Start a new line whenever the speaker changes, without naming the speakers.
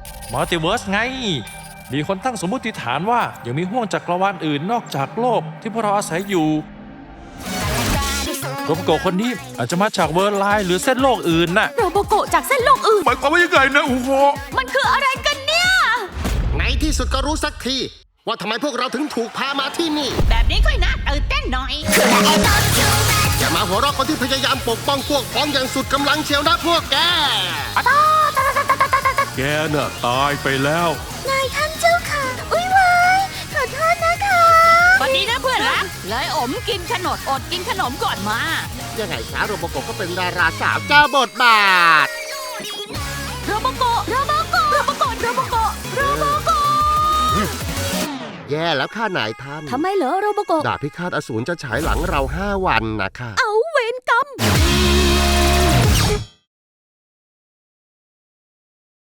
มัลติเวิร์สไงมีคนตั้งสมมติฐานว่ายังมีห้วงจักรวาลอื่นนอกจากโลกที่พวกเราอาศัยอยู่โรบโกะคนนี้อาจจะมาจากเวิร์ลไลน์หรือเส้นโลกอื่นน่ะ
โรโบโกะจากเส้นโลกอื่น
หมายความว่ายังไงนะอูโฮ
มันคืออะไรกันเนี่ย
ในที่สุดก็รู้สักทีว่าทำไมพวกเราถึงถูกพามาที่นี่
แบบนี้ค่อยน่าตื่นเต้นหน่อย
อย่ามาหัวเราะคนที่พยายามปกป้องพวกพ้องอย่างสุดกำลังเชียวนะพวกแก
แกน่ะตายไปแล้ว
นายท่านเจ้าค่ะ อุ้ยวายขอโทษนะคะวันนี้นะเพื่อนรักเลยอมกินขนมอดกินขนมก่อนมา
ยังไงคะโรโบโกะก็เป็นดาราสาวเจ้าบทบาท
โรโบโกะ โรโบโกะ โรโบโกะ โรโบโกะ โรโบโกะ
แย่แล้วค่ะนายท่าน
ทำไมเหรอโรโบโกะ
ดาบพิฆาตอสูรจะฉายหลังเรา5 วันนะคะ
เอาเวรกรรม